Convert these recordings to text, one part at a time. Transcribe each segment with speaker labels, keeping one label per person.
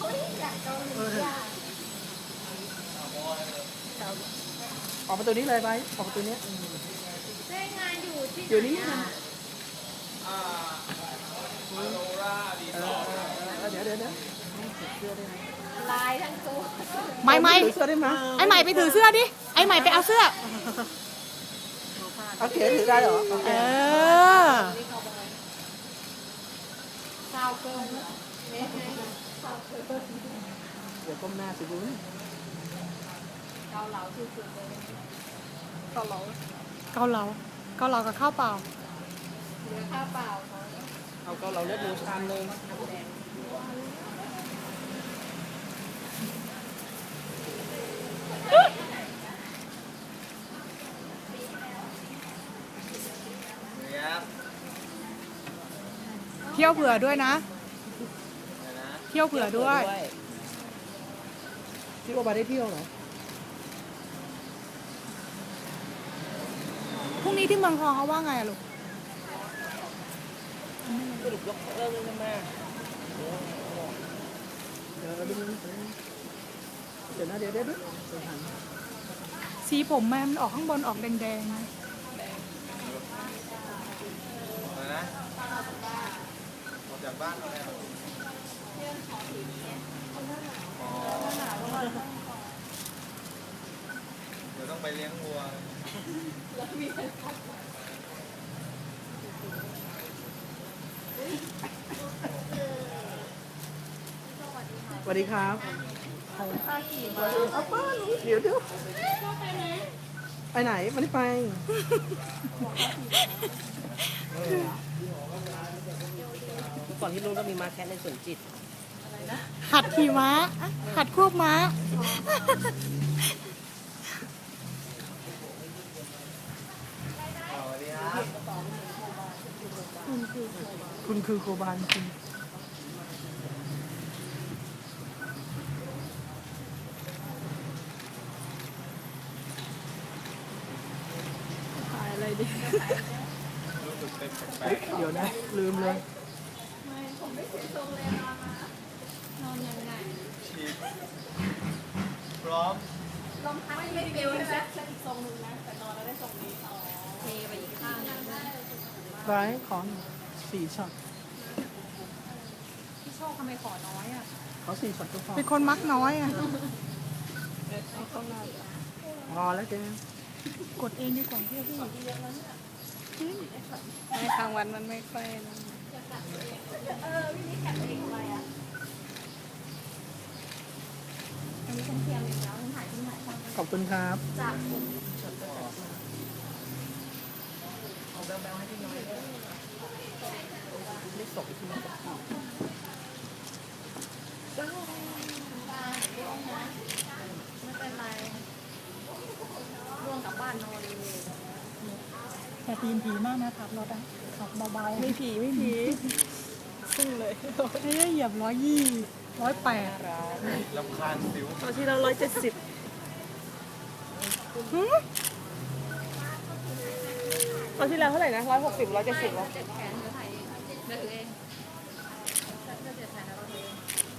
Speaker 1: ออกประตูนี้เลยไปออกประตูนี้
Speaker 2: ได้งานอยู่ที่
Speaker 1: อยู่นี่นะเดี๋ยวเสื้อได้ไหม
Speaker 2: ลายทั้งตัว
Speaker 3: ไม่
Speaker 1: ถือเสื้อได้ไหม
Speaker 3: ไอ้ใหม่ไปถือเสื้อดิไอ้ใหม่ไปเอาเสื้อ
Speaker 1: โอเคถือได้เหรอโอเค
Speaker 2: ชาวเกิน
Speaker 1: เดี๋ยวก้มหน้าสิบุ้น
Speaker 2: เกาเหลาสุดๆเลย
Speaker 3: เกาเหลากับข้าวเปล่า
Speaker 2: เหลือข้าวเปล่า
Speaker 1: เอาเกาเหลาเลือดหมูชามนึง
Speaker 3: เที่ยวเผื่อด้วยนะเที่ยวเผื่อด้วย
Speaker 1: ที่โอบาได้เที่ยวเหรอ
Speaker 3: พรุ่งนี้ที่เมืองทองเขาว่าไงอะลูก
Speaker 1: สรุปยกเลิกเลยแม่เดี๋ยวนะเดี๋ยว
Speaker 3: สีผมแม่มันออกข้างบนออกแดงๆนะ
Speaker 4: ออกจากบ้านเราแล้วเดี๋ยวต้องไปเลี้ยงวัว
Speaker 1: สวัสดีครับเอาป้าเดี๋ยวไปไหนไม่ได้ไปก่อนที่นู้นก็มีม้าแคะในสวนจิต
Speaker 3: หัดขี่ม้าหัดควบม้า
Speaker 1: คุณคือโคบานคุณ
Speaker 3: ถ่ายอะไรดิ
Speaker 1: เดี๋ยวนะลืมเลย
Speaker 2: ผมไม่ถึงตรงเลยนอนยังไง
Speaker 4: พร้อม
Speaker 2: ลมพัดไม่ปิวใช่ไหมอีกทรงนึงนะแต่นอนแล้วได้ทรงนี้เทไปอีกข้างนึง
Speaker 1: ไว้ขอ4 ช็อต
Speaker 2: พี่โชคทำไมขอน้อยอ่ะ
Speaker 1: เขา4 ช็อตก็พอ
Speaker 3: เป็นคนมักน้อยอ่ะ
Speaker 1: พอแล้วเจ๊
Speaker 3: กดเองดีกว่าพี่ในทางวันมันไม่ค่อยนั่น
Speaker 2: พี่นี่กัดเองทำไมอ่ะอันนี้เป็นเทียมอีกแล้วถ่ายที่ไหน
Speaker 1: ขอบคุณครับ
Speaker 2: จากผม
Speaker 1: เอาแบลให้พี่น้อยไม่สกที่นี่
Speaker 2: ไม่เป็นไรร่วงกลับบ้านนอนเลย
Speaker 3: แต่ตีนผีมากนะขับรถอ่ะขับเบาๆ
Speaker 1: ไม่ผีซึ่งเลย
Speaker 3: ให้เหยียบ120 108
Speaker 4: ลำคาญสิว
Speaker 1: ตอนที่เรา170ตอนที่เราเท่าไหร่นะ160 170หรอ
Speaker 2: เจ็ดแขนเดี๋ยวถ่ายเองเดี๋ยวถือเองเจ็ดแขนแล้วเราถือเอง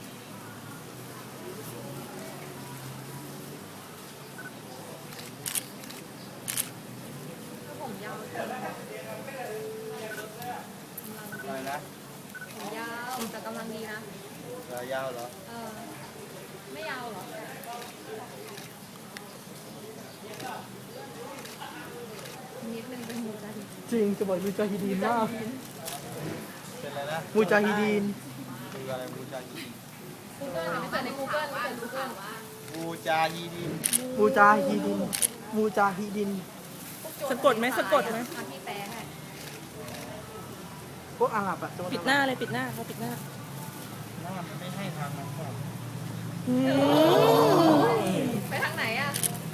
Speaker 2: ผมยาว
Speaker 4: อะไรนะ
Speaker 2: ผมยาวแต่กำลังดีนะ
Speaker 4: ยาวเหรอ
Speaker 2: ไม่ยาวเหรอนิดนึงเป็นมูจาฮิดีน
Speaker 1: จริงจะบอกมูจาฮิดีนมาก
Speaker 4: เป็นอะไรนะ
Speaker 1: มูจาฮิดีน
Speaker 4: คืออะไรมูจาฮิดีน
Speaker 2: Google ไม่เปิดใน Google ไม่เปิด Google
Speaker 4: มูจาฮิดีน
Speaker 1: สะกดไหม
Speaker 2: ที่แปลให้
Speaker 1: พวกอาหรับอะ
Speaker 3: ปิดหน้าเลยปิดหน้าเขาปิดหน้า
Speaker 4: มันไม่ให้ทางนั้นก่อน
Speaker 2: ไปทางไหนอ่ะ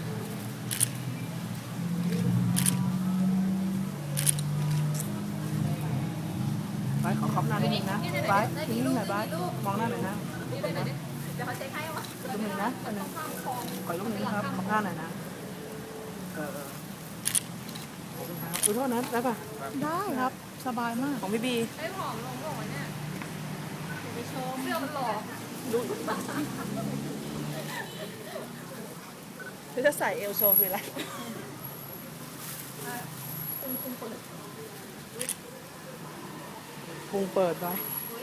Speaker 1: ไปขอคำหน้านิดนึงนะไปทิ้งหน่อยไปมองหน้าหน่อยนะ
Speaker 2: เดี๋ยวเขาเช็คให้ว่า
Speaker 1: รูปหนึ่งนะอันนึงขอรูปหนึ่งครับคำหน้าหน่อยนะขอบคุณครับขอโทษนะได้ป่ะ
Speaker 3: ได้ครับสบายมาก
Speaker 1: ของพี่บี
Speaker 2: ไอ้ผอมลงหรอเนี่ยเดี๋ยวไปโชว์เสื้อมันหล่อ
Speaker 1: ดูจะใส่เอลโชว์คืออะไรพุงเปิดไว้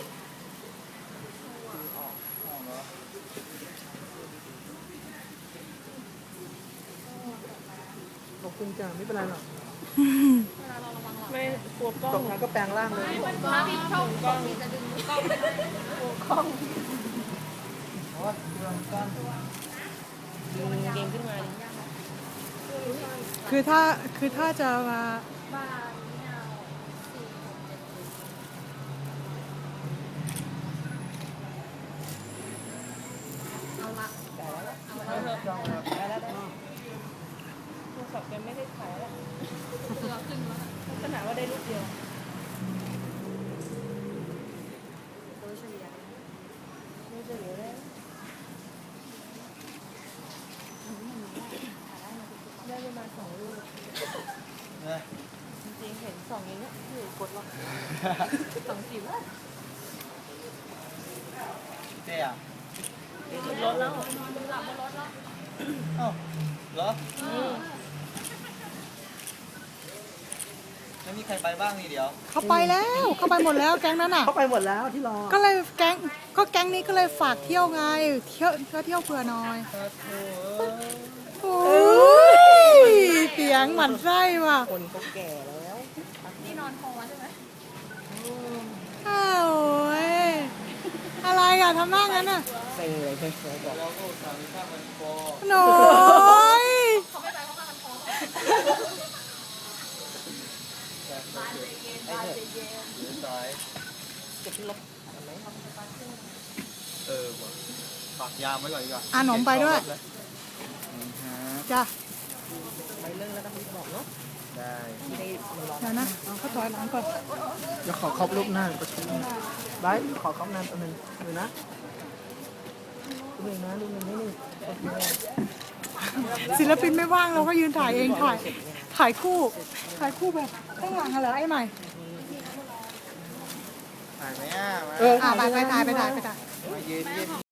Speaker 1: ขอบคุณจ้าไม่เป็นไรหรอกไม่กลัวกล้องตรงนั้นก็แปลงร่างเลย
Speaker 2: ถ้าพี่เข้ากล้องจะดึงกล้องไม่ได้
Speaker 4: โอ้ยเรื่องกัน
Speaker 2: เกมขึ้นมา
Speaker 3: คือถ้าจะมา
Speaker 2: บ้านเนี่ยเอาละ
Speaker 4: จ้องแบบได้แล้ว
Speaker 1: โทรศัพท์ยังไม่ได้ถ่ายแล้ว
Speaker 2: เรือขึ้นแล้ว
Speaker 1: ขนาดว่าได้รูปเดียว
Speaker 2: โดยเฉลี่ย
Speaker 1: ไม่จะเหลือแล้วได้ประมาณ2 รูป
Speaker 4: นะ
Speaker 1: จริงๆเห็น2อย่างเงี้ยอยู่กดหรอก2 จิ๋ว
Speaker 4: เจ๊อ่ะ
Speaker 1: ขึ้นรถแล้ว
Speaker 2: หลับบนรถแล้ว
Speaker 4: เอ้าเหรอไม่มีใครไปบ้างนี่เดี๋ยว
Speaker 3: เขาไปแล้วเขาไปหมดแล้วแก๊งนั้นอ่ะ
Speaker 1: เข้าไปหมดแล้วที่รอ
Speaker 3: ก็เลยแก๊งนี้ก็เลยฝากเที่ยวไงเที่ยวเผื่อหน่อย
Speaker 4: โอ้โห
Speaker 3: โอ้ยเสียงหมั่นไส้ว่ะ
Speaker 1: คนก็แก่แล้ว
Speaker 2: นี่นอนพอใช่ไหม
Speaker 3: อ้าวโอ้ยอะไรอ่ะทำหน้างั้นอ่ะ
Speaker 1: เซ็งเลยเซ็งเลยบอก
Speaker 4: เราก็สั่งข้าวมันคอ
Speaker 3: หน่อย
Speaker 2: เขาไม่ไปเขามากันพร้อม
Speaker 4: บ้านเย็น
Speaker 2: เย็นบ้านเย็น
Speaker 4: หรือสาย
Speaker 1: เก็บที่รถเห็นไหม
Speaker 4: ว่ะฝากยามไว้ก่อนดีกว่า
Speaker 3: อ่ะหนมไปด้วย
Speaker 4: นี่ฮะ
Speaker 3: จ้ะ
Speaker 1: ไปเรื่องแล้วก็บอกเนาะ
Speaker 4: ได้
Speaker 1: ไม่ได้มันร้อน
Speaker 3: เดี๋ยวนะเขาถอยหลังก่อน
Speaker 1: เดี๋ยวขอครอบรูปหน้าประชุมได้ขอครอบหน้าตัวหนึ่งดูนะดูหนึ่งนะดูหนึ่งนิดนึงโอเค
Speaker 3: ศิลปินไม่ว่างเราก็ยืนถ่ายเองถ่ายคู่แบบข้างหลังอะเหรอไอ้ใหม่
Speaker 4: ถ่ายไหมอ่ะมา
Speaker 3: ไปถ่าย
Speaker 4: มายืน